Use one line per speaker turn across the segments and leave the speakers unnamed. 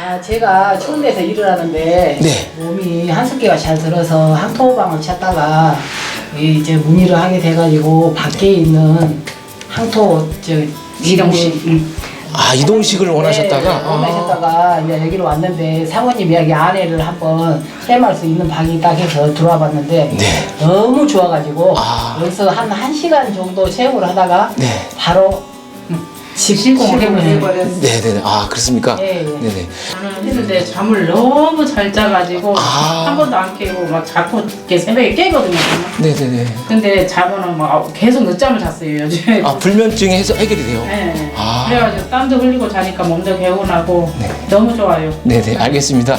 아, 제가 추운 데서 일을 하는데
네.
몸이 한숙기가 잘 들어서 항토방을 찾다가 이제 문의를 하게 돼가지고 밖에 있는 항토 이동식
아, 이동식을 원하셨다가?
원하셨다가 이제 여기로 왔는데 사모님 이야기 아내를 한번 체험할 수 있는 방이 있다 해서 들어와 봤는데
네.
너무 좋아가지고
아.
여기서 한 1시간 정도 체험을 하다가
네.
바로 실공을 해버렸어요.
네네네. 아, 그렇습니까?
예, 예.
네네.
저는 했는데 잠을 너무 잘 자가지고
아.
한 번도 안 깨고 막 자꾸 이렇게 새벽에 깨거든요.
네네네.
근데 자고는 막 계속 늦잠을 잤어요 요즘에.
아, 불면증이 해결이 돼요?
네.
아.
그래가지고 땀도 흘리고 자니까 몸도 개운하고
네.
너무 좋아요.
네네. 알겠습니다.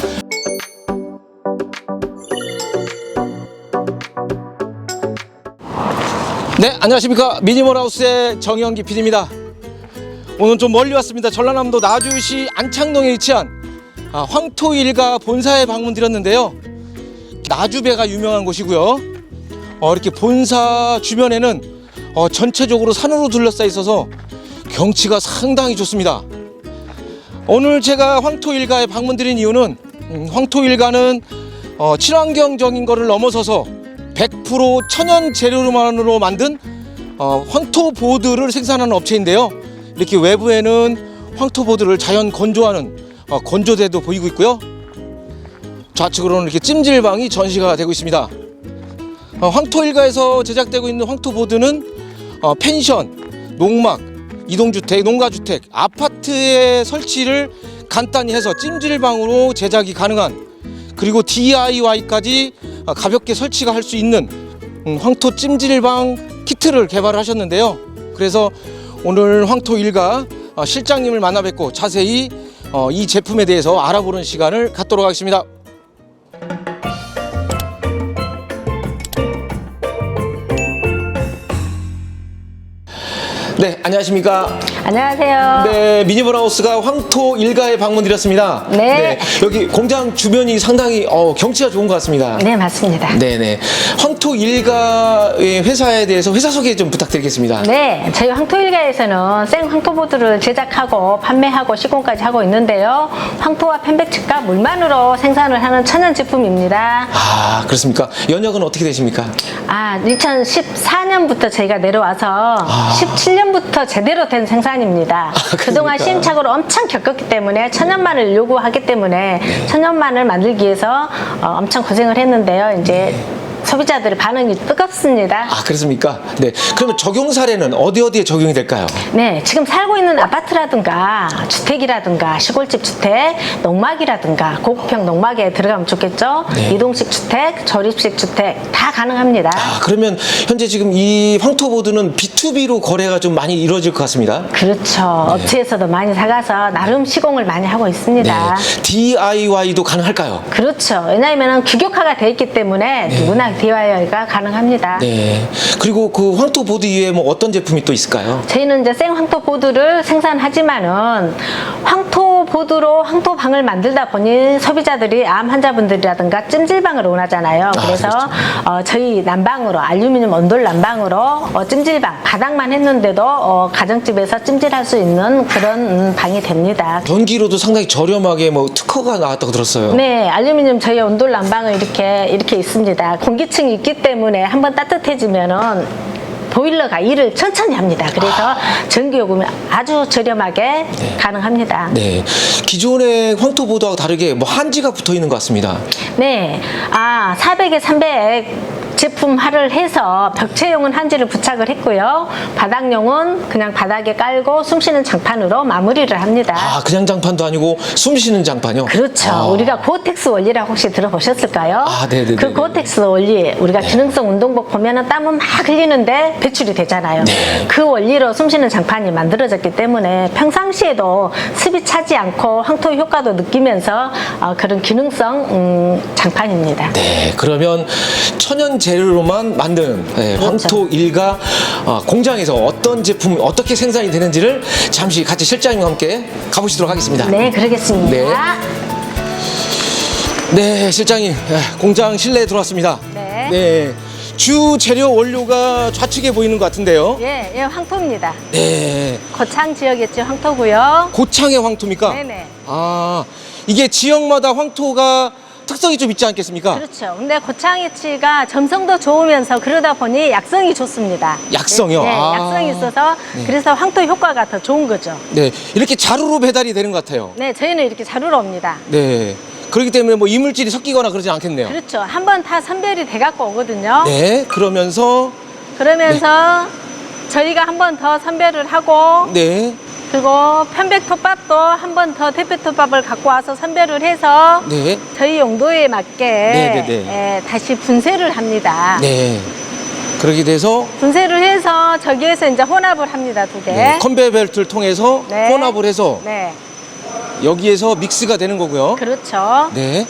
네, 안녕하십니까. 미니멀하우스의 정영기 PD입니다. 오늘 좀 멀리 왔습니다. 전라남도 나주시 안창동에 위치한 황토일가 본사에 방문드렸는데요. 나주배가 유명한 곳이고요. 이렇게 본사 주변에는 전체적으로 산으로 둘러싸여 있어서 경치가 상당히 좋습니다. 오늘 제가 황토일가에 방문드린 이유는 황토일가는 친환경적인 것을 넘어서서 100% 천연 재료만으로 만든 황토보드를 생산하는 업체인데요. 이렇게 외부에는 황토보드를 자연 건조하는 건조대도 보이고 있고요. 좌측으로는 이렇게 찜질방이 전시가 되고 있습니다. 황토일가에서 제작되고 있는 황토보드는 펜션, 농막, 이동주택, 농가주택, 아파트의 설치를 간단히 해서 찜질방으로 제작이 가능한, 그리고 DIY까지 가볍게 설치가 할 수 있는 황토 찜질방 키트를 개발하셨는데요. 그래서 오늘 황토일가 실장님을 만나 뵙고 자세히 이 제품에 대해서 알아보는 시간을 갖도록 하겠습니다. 네, 안녕하십니까.
안녕하세요.
네, 미니멀하우스가 황토일가에 방문드렸습니다.
네.
여기 공장 주변이 상당히 경치가 좋은 것 같습니다.
네, 맞습니다.
네네. 황토일가의 회사에 대해서 회사 소개 좀 부탁드리겠습니다.
네, 저희 황토일가에서는 생 황토보드를 제작하고 판매하고 시공까지 하고 있는데요. 황토와 편백즙과 물만으로 생산을 하는 천연 제품입니다.
아, 그렇습니까? 연역은 어떻게 되십니까?
2014년부터 저희가 내려와서 17년부터 제대로 된 생산입니다. 그동안
그러니까.
시행착오를 엄청 겪었기 때문에 천연만을 요구하기 때문에 천연만을 만들기 위해서 엄청 고생을 했는데요. 이제 소비자들의 반응이 뜨겁습니다.
아, 그렇습니까? 네. 그러면 적용 사례는 어디에 적용이 될까요?
네, 지금 살고 있는 아파트라든가 주택이라든가 시골집 주택, 농막이라든가 고급형 농막에 들어가면 좋겠죠.
네.
이동식 주택, 조립식 주택 다 가능합니다.
아, 그러면 현재 지금 이 황토보드는 B2B로 거래가 좀 많이 이루어질 것 같습니다.
그렇죠.
네.
업체에서도 많이 사가서 나름 시공을 많이 하고 있습니다.
네. DIY도 가능할까요?
그렇죠. 왜냐하면 규격화가 되어 있기 때문에 누구나 DIY가 가능합니다.
네. 그리고 그 황토보드 이외에 뭐 어떤 제품이 또 있을까요?
저희는 이제 생 황토보드를 생산하지만은 황토보드로 황토방을 만들다 보니 소비자들이 암 환자분들이라든가 찜질방을 원하잖아요. 그래서
그렇죠.
저희 난방으로 알루미늄 온돌 난방으로 찜질방 바닥만 했는데도 가정집에서 찜질할 수 있는 그런 방이 됩니다.
전기로도 상당히 저렴하게 뭐 특허가 나왔다고 들었어요.
네, 알루미늄 저희 온돌 난방은 이렇게 있습니다. 공기층이 있기 때문에 한번 따뜻해지면은 보일러가 일을 천천히 합니다. 그래서 전기요금이 아주 저렴하게 가능합니다.
네. 기존의 황토보드하고 다르게 뭐 한지가 붙어 있는 것 같습니다.
네, 400에 300 제품화를 해서 벽체용은 한지를 부착을 했고요. 바닥용은 그냥 바닥에 깔고 숨쉬는 장판으로 마무리를 합니다.
아, 그냥 장판도 아니고 숨 쉬는 장판이요?
그렇죠. 우리가 고어텍스 원리라고 혹시 들어보셨을까요?
아, 네네네.
그 고어텍스 원리, 우리가 기능성 운동복 보면은 땀은 막 흘리는데 배출이 되잖아요.
네.
그 원리로 숨쉬는 장판이 만들어졌기 때문에 평상시에도 습이 차지 않고 황토 효과도 느끼면서 그런 기능성 장판입니다.
네. 그러면 천연 재료로만 만든 황토일가 공장에서 어떤 제품 어떻게 생산이 되는지를 잠시 같이 실장님과 함께 가보시도록 하겠습니다.
네, 그러겠습니다.
네. 네, 실장님, 공장 실내에 들어왔습니다.
네.
네. 주 재료 원료가 좌측에 보이는 것 같은데요.
예, 황토입니다.
네.
고창 지역이었죠, 황토고요.
고창의 황토입니까?
네네.
아, 이게 지역마다 황토가 특성이 좀 있지 않겠습니까?
그렇죠. 근데 고창이치가 점성도 좋으면서 그러다 보니 약성이 좋습니다.
약성이요?
네,
아.
약성이 있어서
네.
그래서 황토 효과가 더 좋은 거죠.
네, 이렇게 자루로 배달이 되는 것 같아요.
네, 저희는 이렇게 자루로 옵니다.
네, 그렇기 때문에 뭐 이물질이 섞이거나 그러지 않겠네요.
그렇죠. 한 번 다 선별이 돼 갖고 오거든요.
네, 그러면서
그러면서 저희가 한 번 더 선별을 하고
네,
그리고 편백톱밥도 한 번 더 대표톱밥을 갖고 와서 선별을 해서
네,
저희 용도에 맞게
네.
다시 분쇄를 합니다.
네. 그렇게 돼서
분쇄를 해서 저기에서 이제 혼합을 합니다. 두 개.
네, 컨베이어 벨트를 통해서
네.
혼합을 해서
네.
여기에서 믹스가 되는 거고요.
그렇죠.
네,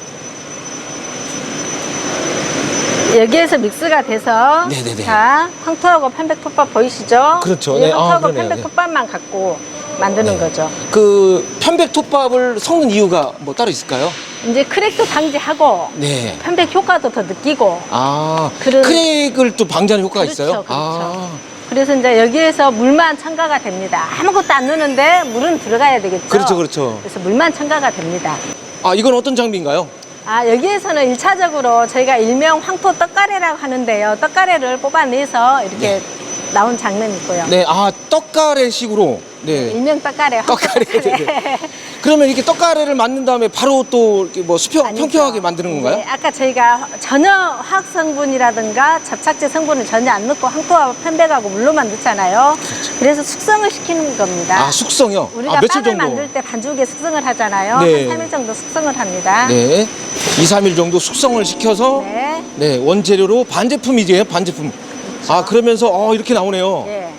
여기에서 믹스가 돼서
네네네.
자, 황토하고 편백톱밥 보이시죠?
그렇죠.
이
네. 아,
황토하고
그러네요.
편백톱밥만 갖고 만드는
네.
거죠.
그 편백톱밥을 섞는 이유가 뭐 따로 있을까요?
이제 크랙도 방지하고
네.
편백 효과도 더 느끼고
아,
그런-
크랙을 또 방지하는 효과가
그렇죠,
있어요?
그렇죠.
아,
그래서 이제 여기에서 물만 첨가가 됩니다. 아무것도 안 넣는데 물은 들어가야 되겠죠.
그렇죠, 그렇죠.
그래서 물만 첨가가 됩니다.
아, 이건 어떤 장비인가요?
아, 여기에서는 일차적으로 저희가 일명 황토 떡가래라고 하는데요. 떡가래를 뽑아내서 이렇게
네.
나온 장면이고요.
네, 아, 떡가래식으로. 네.
일명 떡가래, 황토
떡가래.
떡가래.
그러면 이렇게 떡가래를 만든 다음에 바로 또 이렇게 뭐
아니죠.
평평하게 만드는 건가요?
네, 아까 저희가 전혀 화학 성분이라든가 접착제 성분을 전혀 안 넣고 황토하고 편백하고 물로만 넣잖아요. 그래서 숙성을 시키는 겁니다.
그렇죠. 아, 숙성이요?
우리가
아, 며칠
빵을
정도?
만들 때 반죽에 숙성을 하잖아요.
네.
한 3일 정도 숙성을 합니다.
네. 2, 3일 정도 숙성을 시켜서
네.
네, 원재료로 반제품이죠, 반제품. 아, 그러면서 이렇게 나오네요.
네.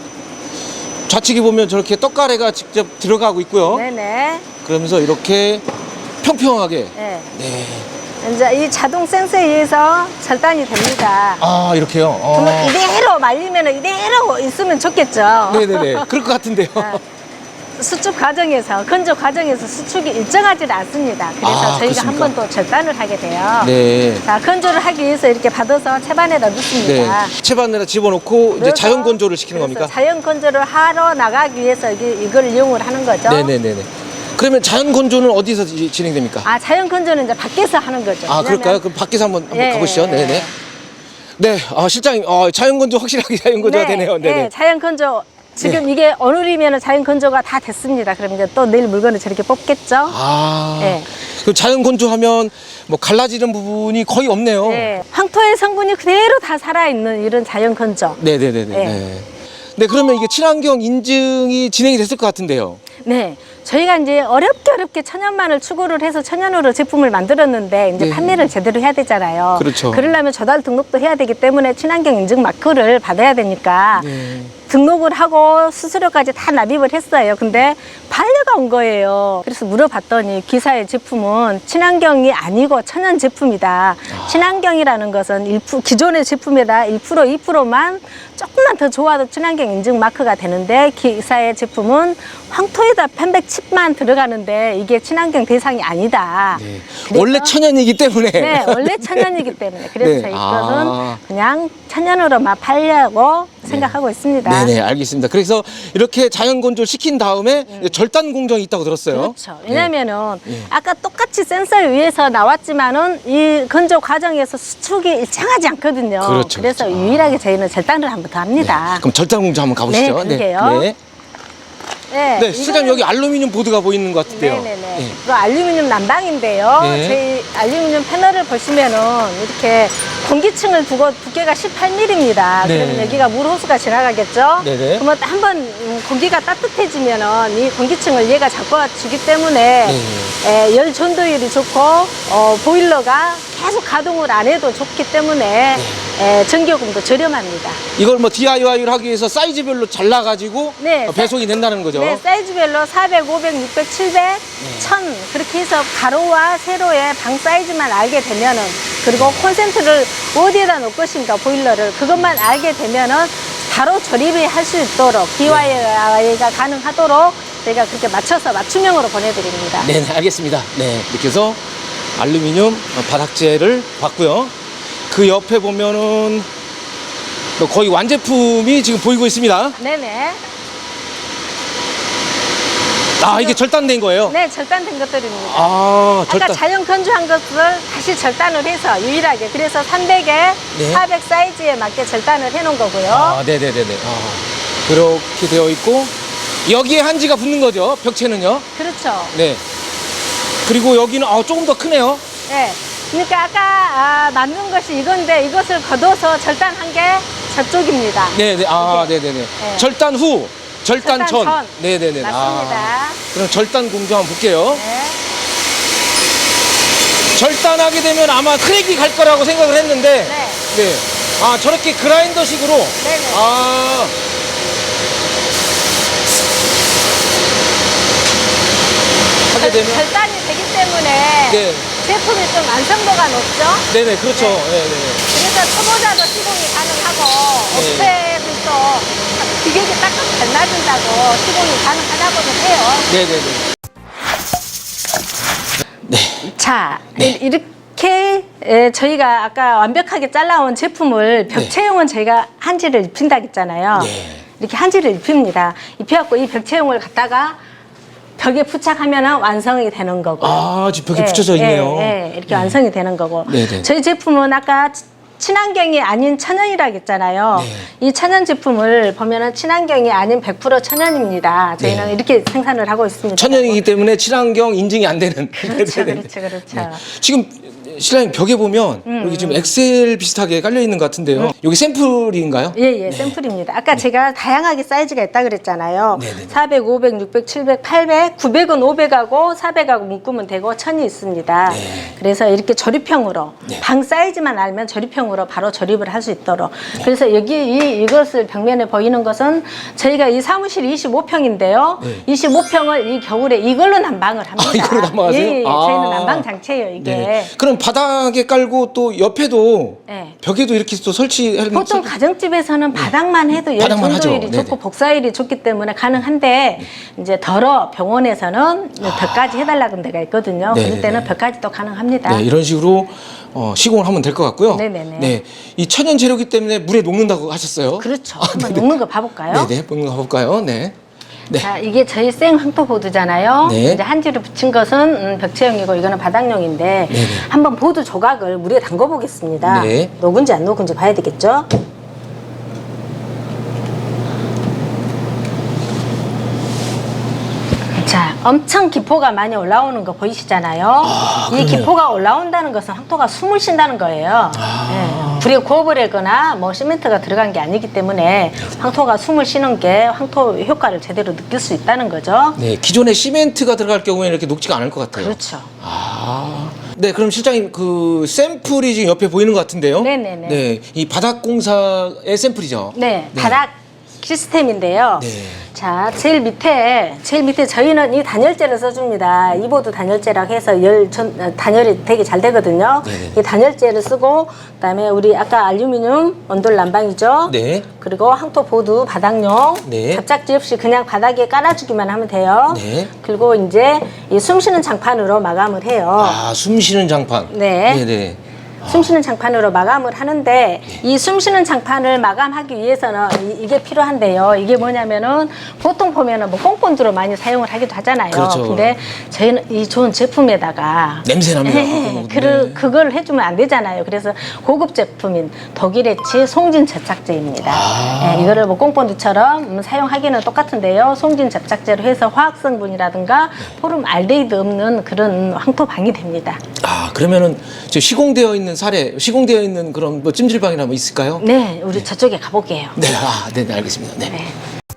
좌측에 보면 저렇게 떡가래가 직접 들어가고 있고요.
네네.
그러면서 이렇게 평평하게.
네.
네.
이제 이 자동 센서에 의해서 절단이 됩니다.
아, 이렇게요.
그러면 이대로 말리면 이대로 있으면 좋겠죠.
네네네. 그럴 것 같은데요.
수축 과정에서, 건조 과정에서 수축이 일정하지 않습니다. 그래서
아,
저희가 한
그렇습니까?
번 또 절단을 하게 돼요.
네.
자, 건조를 하기 위해서 이렇게 받아서 채반에다
네.
넣습니다.
채반에다 집어넣고 이제
그래서-
자연 건조를 시키는
그래서
겁니까?
자연 건조를 하러 나가기 위해서 이걸 이용을 하는 거죠.
네네네네. 그러면 자연 건조는 어디서 진행됩니까?
아, 자연 건조는 이제 밖에서 하는 거죠.
아, 그럴까요?
왜냐면-
그럼 밖에서 한번
예.
가보시죠. 네네. 네, 실장님, 자연 건조 확실하게 자연 건조가 되네요. 네네.
네, 자연 건조. 지금 이게 오늘이면 자연 건조가 다 됐습니다. 그럼 이제 또 내일 물건을 저렇게 뽑겠죠.
아,
네.
그 자연 건조하면 뭐 갈라지는 부분이 거의 없네요.
네, 황토의 성분이 그대로 다 살아있는 이런 자연 건조.
네네네네.
네.
네. 네, 그러면 이게 친환경 인증이 진행이 됐을 것 같은데요.
네, 저희가 이제 어렵게 천연만을 추구를 해서 천연으로 제품을 만들었는데 이제
네.
판매를 제대로 해야 되잖아요.
그렇죠.
그러려면 조달 등록도 해야 되기 때문에 친환경 인증 마크를 받아야 되니까
네.
등록을 하고 수수료까지 다 납입을 했어요. 근데 반려가 온 거예요. 그래서 물어봤더니 기사의 제품은 친환경이 아니고 천연 제품이다. 친환경이라는 것은 기존의 제품에다 1%, 2%만 조금만 더 좋아도 친환경 인증 마크가 되는데 기사의 제품은 황토에다 편백칩만 들어가는데 이게 친환경 대상이 아니다.
네.
그래서-
원래 천연이기 때문에.
네, 원래 천연이기 때문에. 그래서
네.
저희
아.
것은 그냥 천연으로만 팔려고 생각하고 있습니다.
네네, 알겠습니다. 그래서 이렇게 자연 건조를 시킨 다음에 절단 공정이 있다고 들었어요.
그렇죠. 왜냐면은
네.
아까 똑같이 센서에 의해서 나왔지만은 이 건조 과정에서 수축이 일정하지 않거든요.
그렇죠,
그래서
그렇죠.
유일하게 저희는 절단을 한 번 더 합니다.
그럼 절단 공정 한번 가보시죠.
네, 그러게요.
네.
네,
네, 실장님
이거는-
여기 알루미늄 보드가 보이는 것 같은데요.
네네네.
네.
이거 알루미늄 난방인데요.
네.
저희 알루미늄 패널을 보시면은 이렇게 공기층을 두고 두께가 18mm입니다.
네.
그러면 여기가 물 호수가 지나가겠죠?
네네.
그러면 한번 공기가 따뜻해지면은 이 공기층을 얘가 잡아주기 때문에
네.
열 전도율이 좋고 보일러가 계속 가동을 안 해도 좋기 때문에 전기요금도 저렴합니다.
이걸 뭐 DIY를 하기 위해서 사이즈별로 잘라가지고
네,
배송이 된다는 거죠.
네, 사이즈별로 400, 500, 600, 700, 1000 그렇게 해서 가로와 세로의 방 사이즈만 알게 되면은 그리고 콘센트를 어디에다 놓을 것인가 보일러를 그것만 알게 되면은 바로 조립을 할 수 있도록 DIY가 가능하도록 저희가 그렇게 맞춰서 맞춤형으로 보내드립니다.
네, 알겠습니다. 네, 이렇게 해서 알루미늄 바닥재를 봤고요. 그 옆에 보면은 거의 완제품이 지금 보이고 있습니다.
네네.
아, 이게 절단된 거예요?
네, 절단된 것들입니다.
아,
아까
절단.
자연 건조한 것을 다시 절단을 해서 유일하게 그래서 300에
네.
400 사이즈에 맞게 절단을 해놓은 거고요.
아, 네네네네. 아, 그렇게 되어 있고 여기에 한지가 붙는 거죠. 벽체는요.
그렇죠.
네. 그리고 여기는 조금 더 크네요.
네. 그러니까 아까 만든 것이 이건데 이것을 걷어서 절단한 게 저쪽입니다.
네네. 아,
이렇게.
네네네.
네.
절단 후, 절단 전.
전.
네네네.
맞습니다.
그럼 절단 공조 한번 볼게요.
네.
절단하게 되면 아마 크랙이 갈 거라고 생각을 했는데.
네.
네. 아, 저렇게 그라인더식으로.
네네.
아. 하게 되면.
절단이 되기 때문에
네.
제품이 좀 완성도가 높죠.
네네. 그렇죠.
네.
네네.
그래서 초보자도 시공이 가능하고
네.
업체들도 기계기 딱딱 잘 맞는다고 시공이 가능하다고도 해요.
네네네.
자,
네.
이렇게 저희가 아까 완벽하게 잘라온 제품을 벽체용은 저희가 한지를 입힌다고 했잖아요.
네.
이렇게 한지를 입힙니다. 입혀갖고 이 벽체용을 갖다가 벽에 부착하면 완성이 되는 거고.
아, 지금 벽에 붙여져 있네요.
이렇게 완성이 되는 거고.
네네.
저희 제품은 아까 친환경이 아닌 천연이라고 했잖아요.
네.
이 천연 제품을 보면은 친환경이 아닌 100% 천연입니다. 저희는
네.
이렇게 생산을 하고 있습니다.
천연이기 때문에 친환경 인증이 안 되는.
그렇죠,
네네네.
그렇죠.
지금 신랑님 벽에 보면 여기 지금 엑셀 비슷하게 깔려 있는 것 같은데요. 여기 샘플인가요?
예, 샘플입니다. 아까 제가 다양하게 사이즈가 있다 그랬잖아요.
네네네.
400, 500, 600, 700, 800, 900은 500하고 400하고 묶으면 되고 1000이 있습니다.
네.
그래서 이렇게 조립형으로
네.
방 사이즈만 알면 조립형으로 바로 조립을 할 수 있도록. 그래서 여기 이것을 벽면에 보이는 것은 저희가 이 사무실이 25평인데요.
네.
25평을 이 겨울에 이걸로 난방을 합니다.
이걸로 난방하세요?
예,
아.
저희는 난방 장치예요, 이게.
네. 그럼 바닥에 깔고 또 옆에도
네.
벽에도 이렇게 또 설치하는
보통 가정집에서는 바닥만 해도 열
바닥만 하죠.
전도율이
네네.
좋고 복사율이 좋기 때문에 가능한데 이제 덜어 병원에서는 벽까지 해달라는 데가 있거든요.
네네네.
그럴 때는 벽까지도 가능합니다.
네, 이런 식으로 시공을 하면 될 것 같고요.
네네네.
네, 이 천연 재료기 때문에 물에 녹는다고 하셨어요.
그렇죠.
아,
한번
네네.
녹는 거 봐볼까요?
네네, 녹는 거 가볼까요? 네. 네.
자, 이게 저희 생 황토보드잖아요.
네.
이제 한지로 붙인 것은 벽체용이고 이거는 바닥용인데
네네.
한번 보드 조각을 물에 담궈 보겠습니다.
네.
녹은지 안 녹은지 봐야 되겠죠? 자, 엄청 기포가 많이 올라오는 거 보이시잖아요. 이
그러네요.
기포가 올라온다는 것은 황토가 숨을 쉰다는 거예요. 예, 불에 구워버리거나 뭐 시멘트가 들어간 게 아니기 때문에 황토가 숨을 쉬는 게 황토 효과를 제대로 느낄 수 있다는 거죠.
네, 기존에 시멘트가 들어갈 경우에는 이렇게 녹지가 않을 것 같아요.
그렇죠.
아, 네, 그럼 실장님 그 샘플이 지금 옆에 보이는 것 같은데요.
네네네.
네, 이 바닥 공사의 샘플이죠.
네, 바닥 시스템인데요.
네.
자, 제일 밑에 저희는 이 단열재를 써줍니다. 이보드 단열재라고 해서 단열이 되게 잘 되거든요.
네네.
이 단열재를 쓰고, 그다음에 우리 아까 알루미늄 온돌 난방이죠.
네.
그리고 황토 보드 바닥용.
네.
잡작지 없이 그냥 바닥에 깔아주기만 하면 돼요.
네.
그리고 이제 이 숨쉬는 장판으로 마감을 해요.
아, 숨 쉬는 장판.
네.
네네.
숨쉬는 장판으로 마감을 하는데 이 숨쉬는 장판을 마감하기 위해서는 이게 필요한데요. 이게 뭐냐면은 보통 보면은 뭐 꽁본드로 많이 사용을 하기도 하잖아요.
그렇죠.
근데 저희는 이 좋은 제품에다가
냄새 납니다.
네,
네.
그걸 해주면 안 되잖아요. 그래서 고급 제품인 독일의치 송진 접착제입니다. 네, 이거를 뭐 꽁본드처럼 사용하기는 똑같은데요. 송진 접착제로 해서 화학 성분이라든가 포름 알데히드 없는 그런 황토방이 됩니다.
아, 그러면은 저 시공되어 있는 시공되어 있는 그런 뭐 찜질방이나 뭐 있을까요?
네, 우리 저쪽에 가볼게요.
네, 네, 알겠습니다. 네.
네.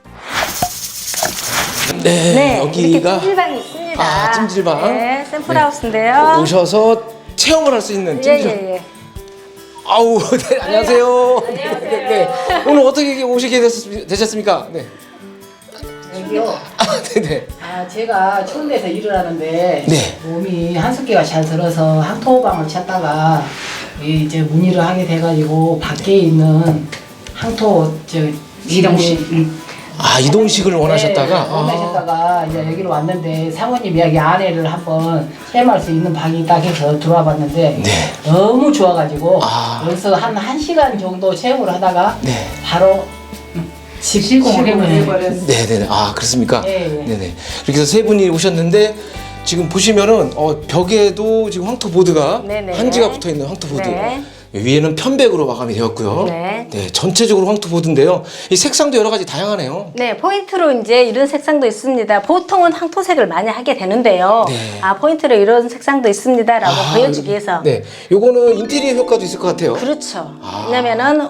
네,
네, 이렇게
여기가
찜질방이 있습니다.
아, 찜질방.
네, 샘플하우스인데요.
오셔서 체험을 할 수 있는 찜질방.
예.
아우, 네, 안녕하세요. 네. 오늘 어떻게 오시게 되셨습니까? 네.
여기요.
아, 네네.
아, 제가 추운 데서 일을 하는데
네.
몸이 한숙기가 잘 들어서 항토방을 찾다가 이제 문의를 하게 돼가지고 밖에 있는 항토 이동식
아, 이동식을 원하셨다가?
원하셨다가 이제 여기로 왔는데 사모님 이야기 아내를 한번 체험할 수 있는 방이 딱 해서 들어와 봤는데
네.
너무 좋아가지고
아.
그래서 한 1시간 정도 체험을 하다가
네.
바로
시공을 해버렸어요.
네네네. 아 그렇습니까?
예, 예.
네네. 이렇게 해서 세 분이 오셨는데 지금 보시면은 벽에도 지금 황토보드가
네네.
한지가 붙어 있는 황토보드.
네.
위에는 편백으로 마감이 되었고요.
네.
전체적으로 황토보드인데요. 이 색상도 여러 가지 다양하네요.
네, 포인트로 이제 이런 색상도 있습니다. 보통은 황토색을 많이 하게 되는데요.
네.
아, 포인트로 이런 색상도 있습니다라고 보여주기 위해서.
네, 요거는 인테리어 효과도 있을 것 같아요.
그렇죠. 왜냐면은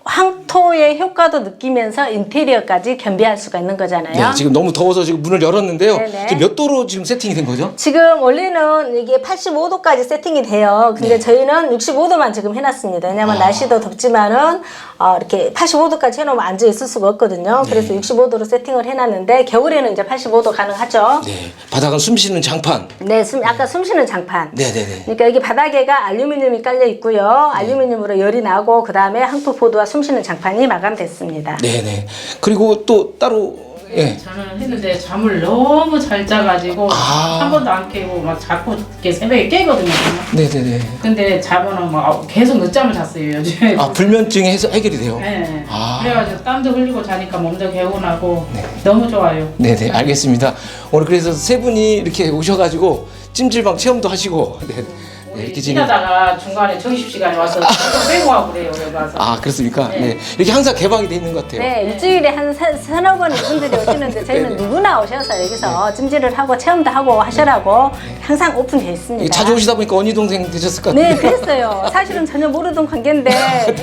황토의 효과도 느끼면서 인테리어까지 겸비할 수가 있는 거잖아요.
네, 지금 너무 더워서 지금 문을 열었는데요.
네네.
지금 몇 도로 지금 세팅이 된 거죠?
지금 원래는 이게 85도까지 세팅이 돼요. 근데 저희는 65도만 지금 해놨습니다. 왜냐면 날씨도 덥지만은 이렇게 85도까지 해놓으면 앉아 있을 수가 없거든요. 그래서 65도로 세팅을 해놨는데 겨울에는 이제 85도 가능하죠.
네, 바닥은 숨쉬는 장판.
네, 아까 숨쉬는 장판.
네네네.
그러니까 여기 바닥에가 알루미늄이 깔려 있고요. 알루미늄으로 열이 나고 그 다음에 황토보드와 숨쉬는 장판이 마감됐습니다.
네네. 그리고 또 따로
저는 했는데 잠을 너무 잘 자가지고 한 번도 안 깨고 막 자꾸 이렇게 새벽에 깨거든요.
네네네.
근데 자면은 막 계속 늦잠을 잤어요 요즘에.
불면증이 해결이 돼요.
네.
아.
그래가지고 땀도 흘리고 자니까 몸도 개운하고
네.
너무 좋아요.
네네, 알겠습니다. 오늘 그래서 세 분이 이렇게 오셔가지고 찜질방 체험도 하시고 이렇게 지금
일하다가 중간에 점심시간에 와서 조금 빼고 하고 그래요 여기 와서.
그렇습니까?
네.
네. 이렇게 항상 개방이 돼 있는 것 같아요.
네, 일주일에 한 서너 번 이분들이 오시는데 저희는
네네.
누구나 오셔서 여기서 찜질을 하고 체험도 하고 하시라고 항상 오픈되어 있습니다.
자주 오시다 보니까 언니 동생 되셨을 것
네,
같아요.
그랬어요. 사실은 전혀 모르던 관계인데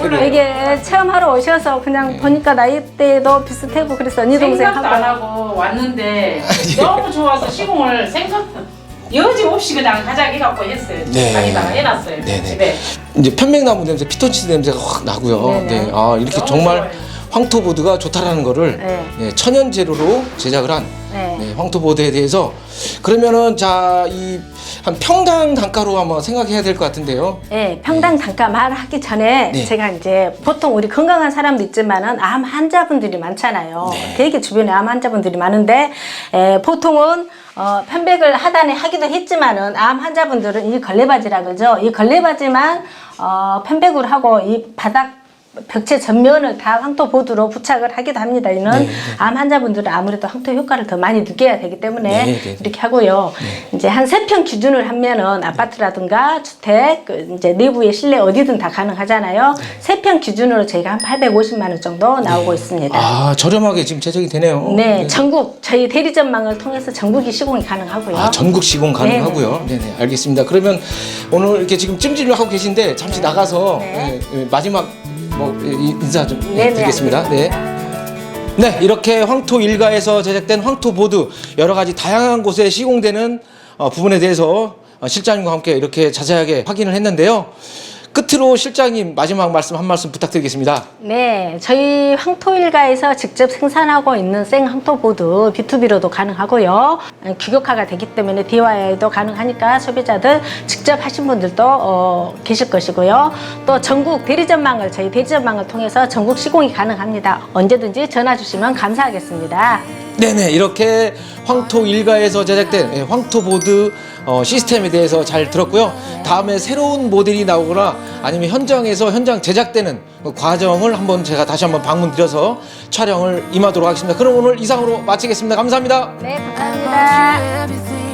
이게 체험하러 오셔서 그냥 보니까 나이대도 비슷하고 그래서 언니 동생
생각도 안
하고
하고 왔는데 너무 좋아서 시공을 여지없이 그냥 가자기 해갖고 했어요.
네.
자기다가 해놨어요
네네.
집에.
이제 편백나무 냄새, 피톤치드 냄새가 확 나고요.
네네.
네, 이렇게
너무
정말
좋아요.
황토보드가 좋다라는 거를
네.
천연 재료로 제작을 한
네.
황토보드에 대해서 그러면은 한 평당 단가로 한번 생각해야 될 것 같은데요.
네, 평당 단가 말하기 전에
네.
제가 이제 보통 우리 건강한 사람도 있지만은 암 환자분들이 많잖아요.
네.
되게 주변에 암 환자분들이 많은데 보통은 편백을 하단에 하기도 했지만은 암 환자분들은 이 걸레바지라 그러죠. 이 걸레바지만 편백으로 하고 이 바닥 벽체 전면을 다 황토보드로 부착을 하기도 합니다. 이는
네, 네.
암 환자분들은 아무래도 황토 효과를 더 많이 느껴야 되기 때문에
네, 네, 네.
이렇게 하고요. 이제 한 3평 기준을 하면은 아파트라든가 주택, 이제 내부의 실내 어디든 다 가능하잖아요. 3평 기준으로 저희가 한 850만 원 정도 나오고 있습니다.
저렴하게 지금 제작이 되네요.
네, 전국 저희 대리점망을 통해서 전국이 시공이 가능하고요.
전국 시공 가능하고요. 네네, 알겠습니다. 그러면 오늘 이렇게 지금 찜질을 하고 계신데 잠시 나가서
네.
마지막 인사 좀
네네,
드리겠습니다. 네. 네, 이렇게 황토 일가에서 제작된 황토보드 여러 가지 다양한 곳에 시공되는 부분에 대해서 실장님과 함께 이렇게 자세하게 확인을 했는데요. 끝으로 실장님 마지막 말씀 한 말씀 부탁드리겠습니다.
네, 저희 황토일가에서 직접 생산하고 있는 생 황토보드 B2B로도 가능하고요. 규격화가 되기 때문에 DIY도 가능하니까 소비자들 직접 하신 분들도 계실 것이고요. 또 전국 대리점망을 저희 대리점망을 통해서 전국 시공이 가능합니다. 언제든지 전화 주시면 감사하겠습니다.
네네, 이렇게 황토 일가에서 제작된 황토보드 시스템에 대해서 잘 들었고요. 다음에 새로운 모델이 나오거나 아니면 현장에서 현장 제작되는 그 과정을 제가 다시 한번 방문 드려서 촬영을 임하도록 하겠습니다. 그럼 오늘 이상으로 마치겠습니다. 감사합니다.
네, 감사합니다.
everything